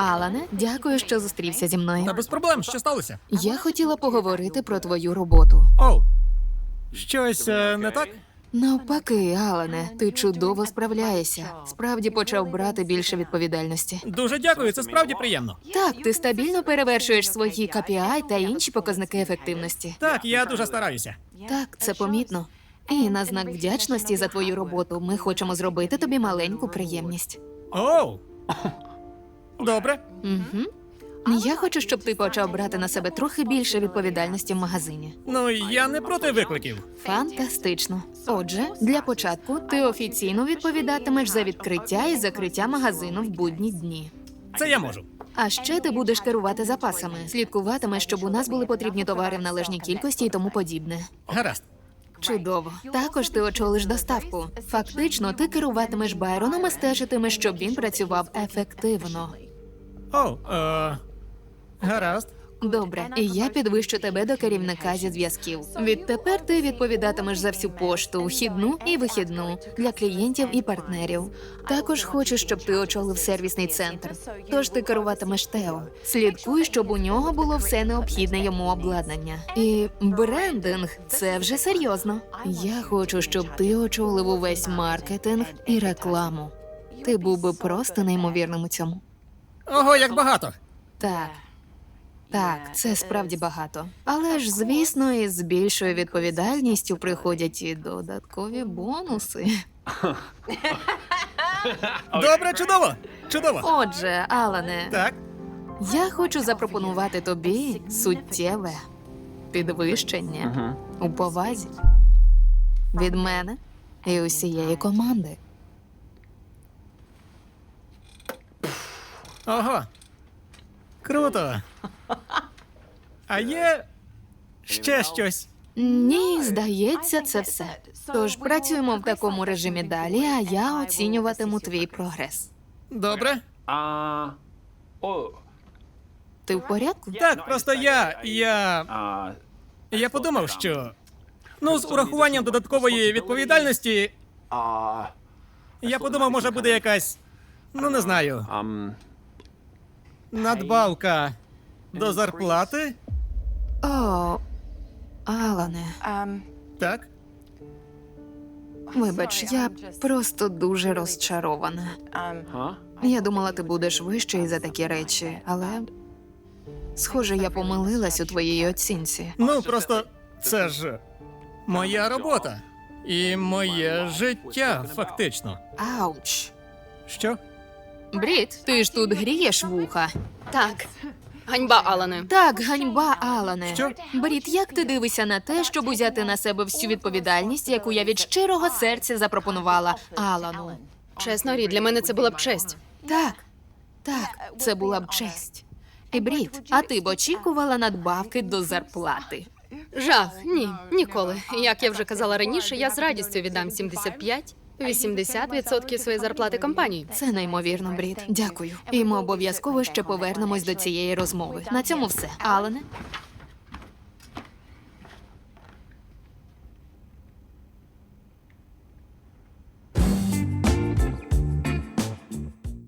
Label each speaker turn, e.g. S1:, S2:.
S1: Алане, дякую, що зустрівся зі мною.
S2: Та без проблем, що сталося?
S1: Я хотіла поговорити про твою роботу.
S2: Оу. Щось не так?
S1: Навпаки, Алане, ти чудово справляєшся. Справді почав брати більше відповідальності.
S2: Дуже дякую, це справді приємно.
S1: Так, ти стабільно перевершуєш свої KPI та інші показники ефективності.
S2: Так, я дуже стараюся.
S1: Так, це помітно. І на знак вдячності за твою роботу ми хочемо зробити тобі маленьку приємність.
S2: Оу. Добре.
S1: Угу. Я хочу, щоб ти почав брати на себе трохи більше відповідальності в магазині.
S2: Ну, я не проти викликів.
S1: Фантастично. Отже, для початку ти офіційно відповідатимеш за відкриття і закриття магазину в будні дні.
S2: Це я можу.
S1: А ще ти будеш керувати запасами, слідкуватимеш, щоб у нас були потрібні товари в належній кількості і тому подібне.
S2: Гаразд.
S1: Чудово. Також ти очолиш доставку. Фактично, ти керуватимеш Байроном і стежитимеш, щоб він працював ефективно.
S2: Оу, гаразд.
S1: Добре, і я підвищу тебе до керівника зі зв'язків. Відтепер ти відповідатимеш за всю пошту, вхідну і вихідну для клієнтів і партнерів. Також хочу, щоб ти очолив сервісний центр. Тож ти керуватимеш Тео. Слідкуй, щоб у нього було все необхідне йому обладнання. І брендинг – це вже серйозно. Я хочу, щоб ти очолив увесь маркетинг і рекламу. Ти був би просто неймовірним у цьому.
S2: Ого, як багато.
S1: Так. Так, це справді багато. Але ж, звісно, із більшою відповідальністю приходять і додаткові бонуси.
S2: Добре, чудово. Чудово.
S1: Отже, Алане,
S2: Так.
S1: я хочу запропонувати тобі суттєве підвищення у повазі від мене і усієї команди.
S2: Ого. Круто. А є ще щось?
S1: Ні, здається, це все. Тож працюємо в такому режимі далі, а я оцінюватиму твій прогрес.
S2: Добре.
S1: Ти в порядку?
S2: Так, просто я подумав, що ну, з урахуванням додаткової відповідальності, я подумав, може буде якась, ну не знаю, надбавка до зарплати?
S1: О, Алане,
S2: Так.
S1: вибач, я просто дуже розчарована. Я думала, ти будеш вищий за такі речі, але схоже, я помилилась у твоїй оцінці.
S2: Ну, просто це ж моя робота і моє життя, фактично.
S1: Ауч.
S2: Що?
S1: Брід, ти ж тут грієш вуха.
S3: Так. Ганьба, Алане.
S1: Так, ганьба, Алане.
S2: Що?
S1: Брід, як ти дивишся на те, щоб узяти на себе всю відповідальність, яку я від щирого серця запропонувала Алану?
S3: Чесно, Рі, для мене це була б честь.
S1: Так, це була б честь. І Брід, а ти б очікувала надбавки до зарплати?
S3: Жах, ні, ніколи. Як я вже казала раніше, я з радістю віддам 75-80% своєї зарплати компанії.
S1: Це неймовірно, Брід. Дякую. І ми обов'язково ще повернемось до цієї розмови. На цьому все. Алане,